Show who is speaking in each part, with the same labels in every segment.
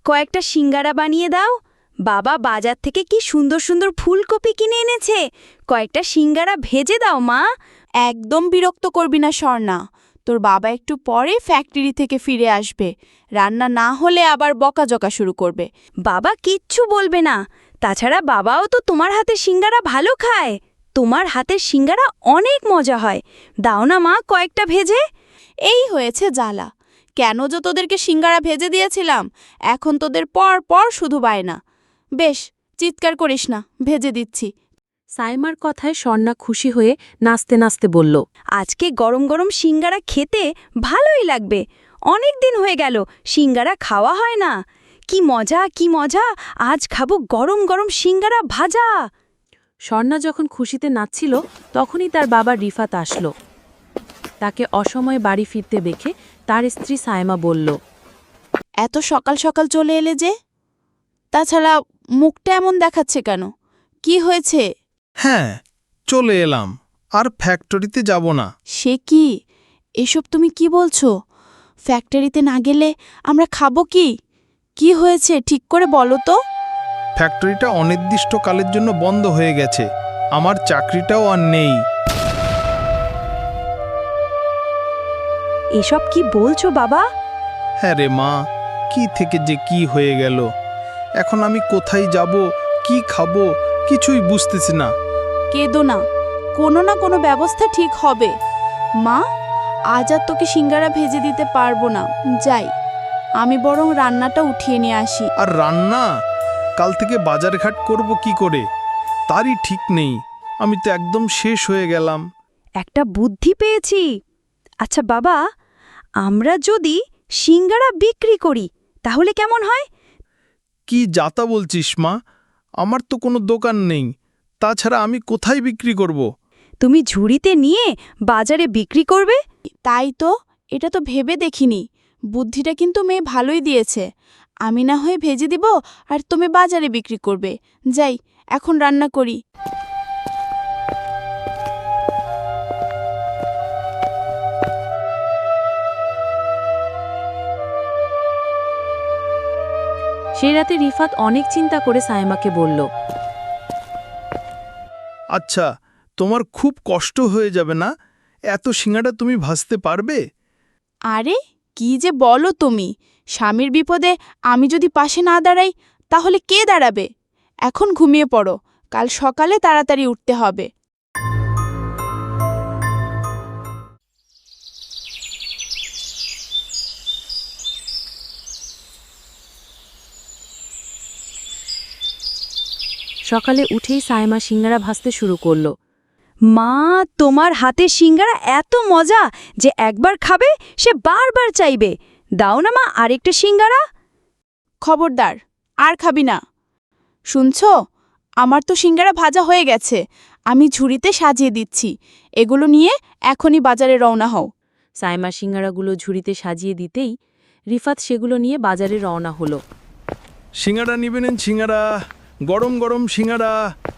Speaker 1: কয়েকটা সিঙ্গারা বানিয়ে দাও। বাবা বাজার থেকে কি সুন্দর সুন্দর ফুলকপি কিনে এনেছে, কয়েকটা সিঙ্গারা ভেজে দাও মা।
Speaker 2: একদম বিরক্ত করবি না স্বর্ণা, তোর বাবা একটু পরে ফ্যাক্টরি থেকে ফিরে আসবে, রান্না না হলে আবার বকাঝকা শুরু করবে।
Speaker 1: বাবা কিচ্ছু বলবে না, তাছাড়া বাবাও তো তোমার হাতের সিঙ্গারা ভালো খায়। তোমার হাতের সিঙ্গারা অনেক মজা হয়, দাও না মা কয়েকটা ভেজে।
Speaker 2: এই হয়েছে জ্বালা, কেন যে তোদেরকে সিঙ্গারা ভেজে দিয়েছিলাম, এখন তোদের পর পর শুধু বায়না। বেশ, চিৎকার করিস না, ভেজে দিচ্ছি।
Speaker 3: সাইমার কথায় স্বর্ণা খুশি হয়ে নাচতে নাচতে বলল,
Speaker 1: আজকে গরম গরম সিঙ্গারা খেতে ভালোই লাগবে, অনেক দিন হয়ে গেল সিঙ্গারা খাওয়া হয় না। কি মজা কি মজা, আজ খাবো গরম গরম সিঙ্গারা ভাজা।
Speaker 3: স্বর্ণা যখন খুশিতে নাচছিল তখনই তার বাবা রিফাত আসলো। তাকে অসময়ে বাড়ি ফিরতে দেখে তার স্ত্রী সাইমা বলল,
Speaker 2: এত সকাল সকাল চলে এলে যে? তাছাড়া মুখটা এমন দেখাচ্ছে কেন, কি হয়েছে?
Speaker 4: হ্যাঁ, চলে এলাম, আর ফ্যাক্টরিতে যাব না।
Speaker 2: সে কি, এসব তুমি কি বলছো? ফ্যাক্টরিতে না গেলে আমরা খাবো কি? কি হয়েছে ঠিক করে বলো তো।
Speaker 4: ফ্যাক্টরিটা অনির্দিষ্টকালের জন্য বন্ধ হয়ে গেছে, আমার চাকরিটাও আর নেই।
Speaker 1: এসব কি বলছো বাবা?
Speaker 4: হ্যাঁ রে মা, কি থেকে যে কি হয়ে গেল। এখন আমি কোথায় যাব, কি খাবো, কিছুই বুঝতেছি না।
Speaker 2: কেঁদো না, কোনো না কোনো ব্যবস্থা ঠিক হবে। মা, আজ আর তোকে সিঙ্গারা ভেজে দিতে পারবো না, যাই আমি বরং রান্নাটা উঠিয়ে নিয়ে আসি।
Speaker 4: আর রান্না কাল থেকে বাজারঘাট করব কি করে, তারই ঠিক নেই। আমি তো একদম শেষ হয়ে গেলাম।
Speaker 1: একটা বুদ্ধি পেয়েছি। আচ্ছা বাবা, আমরা যদি সিঙ্গারা বিক্রি করি তাহলে কেমন হয়?
Speaker 4: কি যাতা বলছিস মা, আমার তো কোনো দোকান নেই, তাছাড়া আমি কোথায় বিক্রি করব?
Speaker 1: তুমি ঝুড়িতে নিয়ে বাজারে বিক্রি করবে।
Speaker 2: তাই তো, এটা তো ভেবে দেখিনি। বুদ্ধিটা কিন্তু মেয়ে ভালোই দিয়েছে। আমি না হয়ে ভেজে দিব আর তুমি বাজারে বিক্রি করবে। যাই, এখন রান্না করি।
Speaker 3: সেই রাতে রিফাত অনেক চিন্তা করে সাইমাকে বলল,
Speaker 4: আচ্ছা, তোমার খুব কষ্ট হয়ে যাবে না? এত সিঙ্গাড়া তুমি ভাজতে পারবে?
Speaker 2: আরে কি যে বলো তুমি, স্বামীর বিপদে আমি যদি পাশে না দাঁড়াই তাহলে কে দাঁড়াবে? এখন ঘুমিয়ে পড়ো, কাল সকালে তাড়াতাড়ি উঠতে হবে।
Speaker 3: সকালে উঠেই সাইমা সিঙ্গারা ভাজতে শুরু করল।
Speaker 1: মা, তোমার হাতের সিঙ্গারা এত মজা যে একবার খাবে সে বারবার চাইবে। দাও না মা আরেকটা সিঙ্গারা।
Speaker 2: খবরদার, আর খাবি না। শুনছো, আমার তো সিঙ্গারা ভাজা হয়ে গেছে, আমি ঝুড়িতে সাজিয়ে দিচ্ছি। এগুলো নিয়ে এখনই বাজারে রওনা হও।
Speaker 3: সাইমা সিঙ্গারাগুলো ঝুড়িতে সাজিয়ে দিতেই রিফাত সেগুলো নিয়ে বাজারে রওনা হলো।
Speaker 4: সিঙ্গাড়া নিবেন? সিঙ্গাড়া, গরম গরম সিঙ্গাড়া।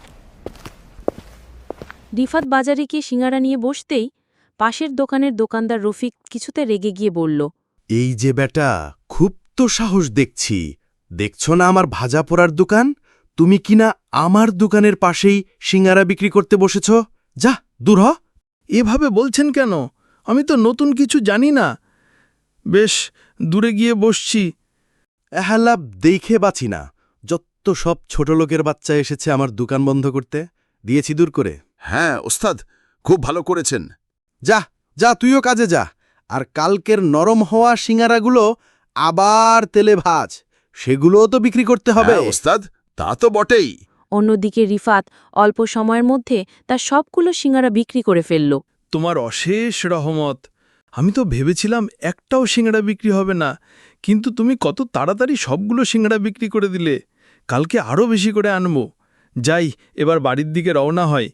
Speaker 3: রিফাত বাজারে গিয়ে সিঙ্গারা নিয়ে বসতেই পাশের দোকানের দোকানদার রফিক কিছুতে রেগে গিয়ে বলল,
Speaker 5: এই যে বেটা, খুব তো সাহস দেখছি। দেখছো না আমার ভাজা পোড়ার দোকান? তুমি কিনা আমার দোকানের পাশেই সিঙ্গারা বিক্রি করতে বসেছ? যা, দূর হ।
Speaker 4: এভাবে বলছেন কেন? আমি তো নতুন কিছু জানি না। বেশ, দূরে গিয়ে বসছি।
Speaker 5: এহালাপ দেখে বাঁচি না, যত সব ছোট লোকের বাচ্চা এসেছে আমার দোকান বন্ধ করতে। দিয়েছি দূর করে।
Speaker 6: হ্যাঁ ওস্তাদ, খুব ভালো করেছেন।
Speaker 5: যা যা, তুইও কাজে যা। আর কালকের নরম হওয়া সিঙ্গারাগুলো আবার তেলে ভাজ, সেগুলোও তো বিক্রি করতে হবে।
Speaker 6: হ্যাঁ ওস্তাদ, তা তো বটেই।
Speaker 3: অন্যদিকে রিফাত অল্প সময়ের মধ্যে তার সবগুলো সিঙ্গারা বিক্রি করে ফেলল।
Speaker 4: তোমার অশেষ রহমত। আমি তো ভেবেছিলাম একটাও সিঙ্গাড়া বিক্রি হবে না, কিন্তু তুমি কত তাড়াতাড়ি সবগুলো সিঙ্গাড়া বিক্রি করে দিলে। কালকে আরও বেশি করে আনবো। যাই, এবার বাড়ির দিকে রওনা হয়।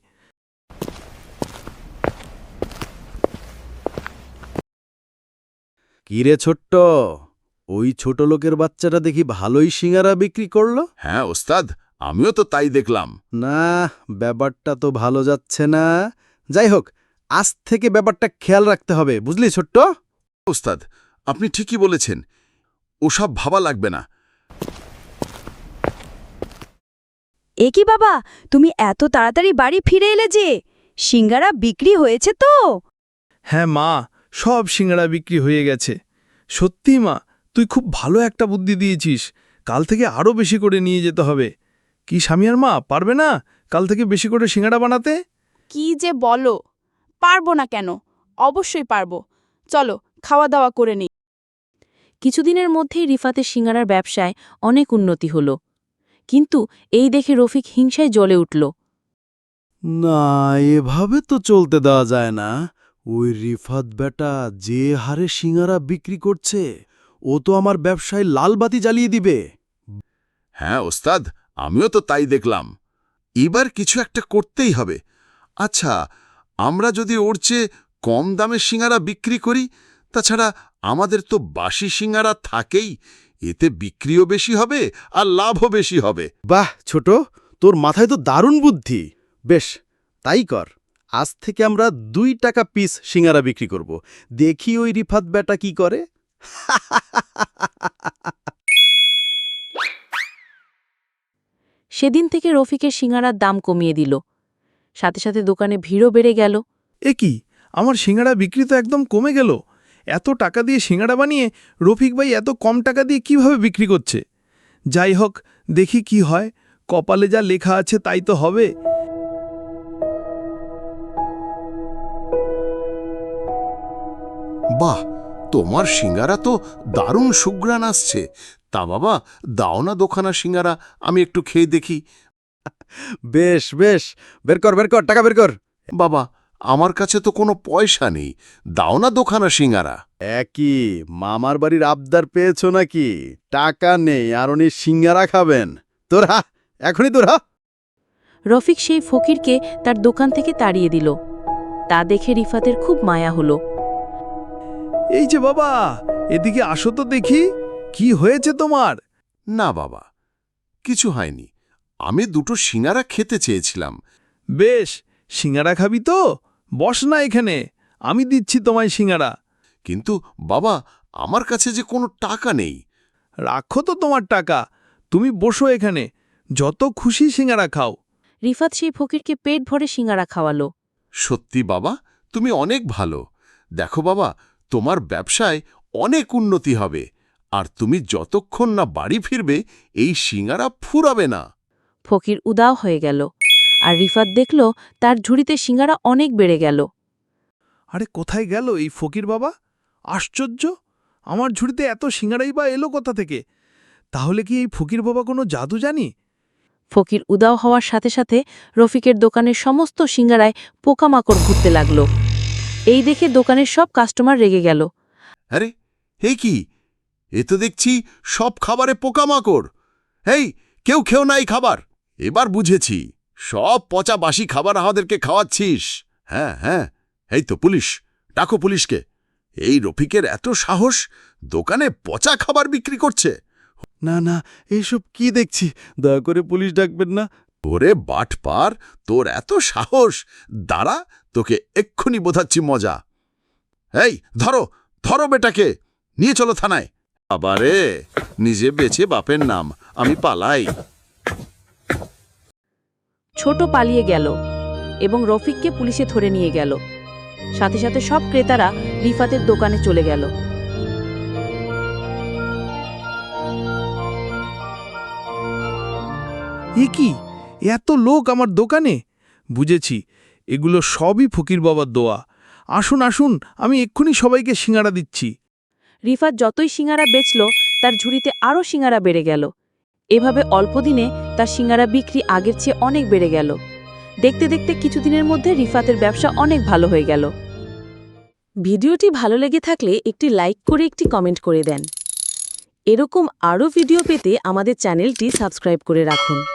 Speaker 5: কিরে ছোট্ট, ওই ছোট লোকের বাচ্চাটা দেখি ভালোই সিঙ্গারা বিক্রি করল।
Speaker 6: হ্যাঁ ওস্তাদ, আমিও তো তাই দেখলাম।
Speaker 5: না, ব্যাপারটা তো ভালো যাচ্ছে না। যাই হোক, আজ থেকে ব্যাপারটা খেয়াল রাখতে হবে, বুঝলি ছোট্ট?
Speaker 6: ওস্তাদ, আপনি ঠিকই বলেছেন, ওসব ভাবা লাগবে না।
Speaker 1: এ কি বাবা, তুমি এত তাড়াতাড়ি বাড়ি ফিরে এলে যে? সিঙ্গারা বিক্রি হয়েছে তো?
Speaker 4: হ্যাঁ মা, সব সিঙ্গাড়া বিক্রি হয়ে গেছে। সত্যি মা, তুই খুব ভালো একটা বুদ্ধি দিয়েছিস। কাল থেকে আরও বেশি করে নিয়ে যেতে হবে। কি স্বামীর মা, পারবে না কাল থেকে বেশি করে সিঙ্গাড়া বানাতে?
Speaker 2: কি যে বলো, পারবো না কেন? অবশ্যই পারবো। চলো খাওয়া দাওয়া করে নিই।
Speaker 3: কিছুদিনের মধ্যেই রিফাতের সিঙ্গারার ব্যবসায় অনেক উন্নতি হল। কিন্তু এই দেখে রফিক হিংসায় জ্বলে উঠল।
Speaker 5: না, এভাবে তো চলতে দেওয়া যায় না। ওই রিফাত বেটা যে হারে সিঙ্গারা বিক্রি করছে, ও তো আমার ব্যবসায় লালবাতি জ্বালিয়ে দিবে।
Speaker 6: হ্যাঁ ওস্তাদ, আমিও তো তাই দেখলাম। এবার কিছু একটা করতেই হবে। আচ্ছা, আমরা যদি ওর চেয়ে কম দামে সিঙ্গারা বিক্রি করি, তাছাড়া আমাদের তো বাসি সিঙ্গারা থাকেই, এতে বিক্রিও বেশি হবে আর লাভও বেশি হবে।
Speaker 5: বাহ ছোট, তোর মাথায় তো দারুণ বুদ্ধি। বেশ, তাই কর। আজ থেকে আমরা 2 টাকা পিস সিঙ্গারা বিক্রি করব। দেখি ওই রিফাত বেটা কি করে।
Speaker 3: সেদিন থেকে রফিকের সিঙ্গারার দাম কমিয়ে দিল। সাথে সাথে দোকানে ভিড়ও বেড়ে গেল।
Speaker 4: এ কি, আমার সিঙ্গাড়া বিক্রি তো একদম কমে গেল। এত টাকা দিয়ে সিঙ্গাড়া বানিয়ে রফিক ভাই এত কম টাকা দিয়ে কিভাবে বিক্রি করছে? যাই হোক, দেখি কি হয়। কপালে যা লেখা আছে তাই তো হবে।
Speaker 6: বাহ, তোমার সিঙ্গারা তো দারুণ সুঘ্রাণ আসছে। তা বাবা, দাও না দোকানা সিঙ্গারা, আমি একটু খেয়ে দেখি।
Speaker 5: বেশ বেশ, বের কর বের কর, টাকা বের কর।
Speaker 6: বাবা, আমার কাছে তো কোনো পয়সা নেই, দাও না দোকানা সিঙ্গারা।
Speaker 5: একই মামার বাড়ির আবদার পেয়েছো নাকি? টাকা নেই আর উনি সিঙ্গারা খাবেন? তোরা এখনই তোরা।
Speaker 3: রফিক সেই ফকিরকে তার দোকান থেকে তাড়িয়ে দিল। তা দেখে রিফাতের খুব মায়া হল।
Speaker 4: এই যে বাবা, এদিকে আসো তো দেখি, কি হয়েছে তোমার?
Speaker 6: না বাবা, কিছু হয়নি। আমি 2টো সিঙ্গারা খেতে চেয়েছিলাম।
Speaker 4: বেশ, সিঙ্গারা খাবি তো? বস না এখানে, আমি দিচ্ছি তোমায় সিঙ্গারা।
Speaker 6: কিন্তু বাবা, আমার কাছে যে কোনো টাকা নেই।
Speaker 4: রাখো তো তোমার টাকা, তুমি বসো এখানে, যত খুশি সিঙ্গারা খাও।
Speaker 3: রিফাত সেই ফকিরকে পেট ভরে সিঙ্গারা খাওয়ালো।
Speaker 6: সত্যি বাবা, তুমি অনেক ভালো। দেখো বাবা, তোমার ব্যবসায় অনেক উন্নতি হবে, আর তুমি যতক্ষণ না বাড়ি ফিরবে এই সিঙ্গারা ফুরাবে না।
Speaker 3: ফকির উদাও হয়ে গেল, আর রিফাত দেখল তার ঝুড়িতে সিঙ্গারা অনেক বেড়ে গেল।
Speaker 4: আরে কোথায় গেল এই ফকির বাবা? আশ্চর্য, আমার ঝুড়িতে এত সিঙ্গারাই বা এলো কোথা থেকে? তাহলে কি এই ফকির বাবা কোনো জাদু জানি?
Speaker 3: ফকির উদাও হওয়ার সাথে সাথে রফিকের দোকানের সমস্ত সিঙ্গারায় পোকামাকড় ঘুরতে লাগল। এই দেখে দোকানের সব কাস্টমার রেগে গেল।
Speaker 6: আরে, এই কি, এ তো দেখছি সব খাবারে পোকামাকড়। এই, কেউ খেও না এই খাবার। এবার বুঝেছি, সব পচা বাসি খাবার আমাদেরকে খাওয়াচ্ছিস। হ্যাঁ হ্যাঁ, এই তো পুলিশ, ডাকো পুলিশকে। এই রফিকের এত সাহস, দোকানে পচা খাবার বিক্রি করছে।
Speaker 5: না না, এইসব কি দেখছি? দয়া করে পুলিশ ডাকবেন না।
Speaker 6: ওরে বাটপার, তোর এত সাহস! দাঁড়া, তোকে এক্ষুনি বোঝাচ্ছি মজা। এই ধরো, ধরো বেটাকে, নিয়ে চলো থানায়। আবারে নিজে বেঁচে বাপের নাম, আমি পালাই।
Speaker 3: ছোট পালিয়ে গেল এবং রফিককে পুলিশে ধরে নিয়ে গেল। সাথে সাথে সব ক্রেতারা রিফাতের দোকানে চলে গেল।
Speaker 4: এ কি, এত লোক আমার দোকানে? বুঝেছি, এগুলো সবই ফকির বাবার দোয়া। আসুন আসুন, আমি এক্ষুনি সবাইকে সিঙ্গারা দিচ্ছি।
Speaker 3: রিফাত যতই সিঙ্গারা বেচল, তার ঝুড়িতে আরও সিঙ্গারা বেড়ে গেল। এভাবে অল্প দিনে তার সিঙ্গারা বিক্রি আগের চেয়ে অনেক বেড়ে গেল। দেখতে দেখতে কিছুদিনের মধ্যে রিফাতের ব্যবসা অনেক ভালো হয়ে গেল। ভিডিওটি ভালো লেগে থাকলে একটি লাইক করে একটি কমেন্ট করে দেন। এরকম আরও ভিডিও পেতে আমাদের চ্যানেলটি সাবস্ক্রাইব করে রাখুন।